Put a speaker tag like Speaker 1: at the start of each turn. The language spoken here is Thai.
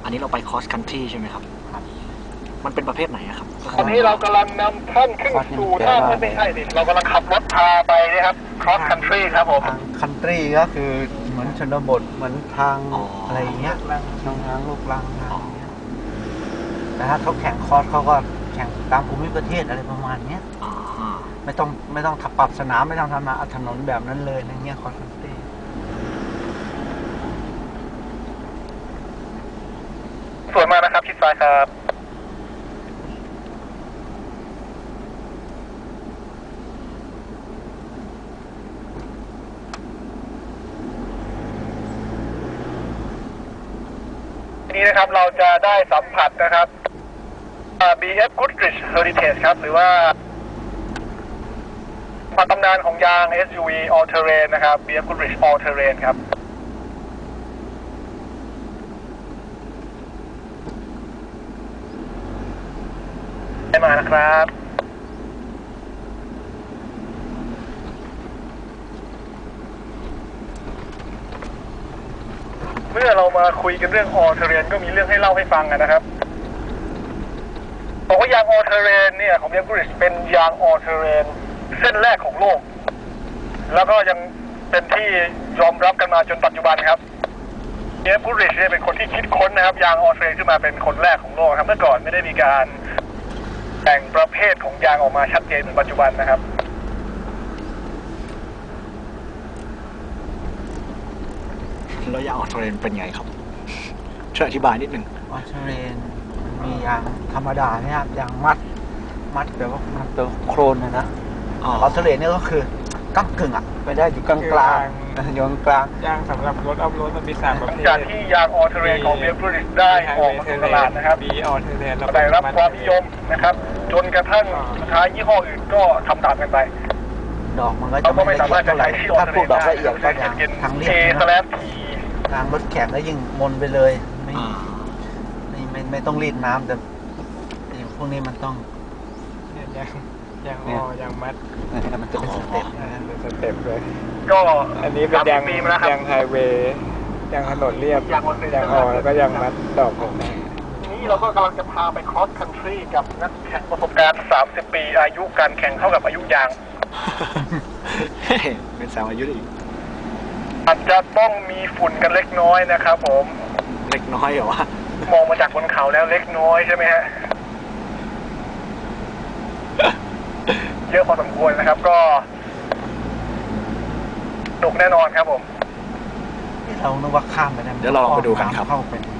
Speaker 1: อันนี้เราไปคอสคันทรีใช่ไหมครับมันเป็นประเภทไหนครับ
Speaker 2: ตอนนี้เรากำลังนำท่านขึ้นสู่ท่าไม่ใช่ดิเรากำลังขับรถพาไปนะครับ cross country ครับผม
Speaker 3: ทางคันทรีก็คือเหมือนชนบทเหมือนทางอะไรอย่างเงี้ยทางลูกรังทางเงี้ยแต่ถ้าเขาแข่งคอร์สเขาก็แข่งตามภูมิประเทศอะไรประมาณเนี้ยไม่ต้องขับปรับสนามไม่ต้องทำถนนแบบนั้นเลยในเงี้ยคอร์สคันทรี
Speaker 2: สวยมากนะครับชิดซ้ายครับนี้นะครับเราจะได้สัมผัสนะครับ BF Goodrich Heritage ครับหรือว่าตำนานของยาง SUV All Terrain นะครับ BF Goodrich All Terrain ครับได้มานะครับเมื่อเรามาคุยกันเรื่อง All Terrain ก็มีเรื่องให้เล่าให้ฟังนะครับบอกว่ายาง All Terrain เนี่ยของ BF Goodrich เป็นยาง All Terrain เส้นแรกของโลกแล้วก็ยังเป็นที่ยอมรับกันมาจนปัจจุบันครับBF Goodrich เนี่ยเป็นคนที่คิดค้นนะครับยาง All Terrain ขึ้นมาเป็นคนแรกของโลกครับเมื่อก่อนไม่ได้มีการแบ่งประเภทของยางออกมาชัดเจนเหมือนปัจจุบันนะครับ
Speaker 1: แล้วยางออโตเรนเป็นไงครับช่วยอธิบายนิดนึง
Speaker 3: ออสเตรเลียมียางธรรมดาเนี่ยยางมัดแบบว่ามันตัวโครนนะออสเตรเลียนี่ก็คือก้ากึ่งไปได้อยู่กลางอยู่กลาง
Speaker 4: ยางสำหรับรถออฟโรดมันมี3ประเภท
Speaker 2: จากที่ยาง All Terrain ของ BF Goodrich ได้ออกมาสู่ตลาดนะครับได้รับความนิยมนะครับจนกระทั่งสุดท้ายยี่ห้ออื่นก็ทำตามกันไป
Speaker 3: ดอกมันก็จะไม่ละเอียดเท่าไหร่ถ้าพูดดอกละเอียดก็อย่างทางเรียบทางรถแข่งก็ยิ่งมนไปเลยไม่ต้องรีดน้ำแต่อย่างพวกนี้มันต้อง
Speaker 4: ยางมัด
Speaker 3: มันจะเป็นสเต็ป
Speaker 4: สเต็ปเลย
Speaker 2: ก็
Speaker 4: อันนี้เป็นยางไฮเวย์ยางถนนเรียบยางออแล้วก็ยางมัดดอกผม
Speaker 2: นี้เราก็กำลังจะพาไป cross country กับนักแข่งประสบการณ์30 ปีอายุการแข่งเท่ากับอายุยาง
Speaker 1: เป็นสาวอายุอีก
Speaker 2: อาจจะต้องมีฝุ่นกันเล็กน้อยนะครับผม
Speaker 1: เล็กน้อยเหรอวะ
Speaker 2: มองมาจากบนเขาแล้วเล็กน้อยใช่ไหมฮะเยอะพอสมควรนะครับก็สนุกแน่นอนครับผม
Speaker 3: เรานึกว่าข้ามไปได้
Speaker 1: เดี๋ยวเราลองไปดูกันครับ
Speaker 3: เข้าไป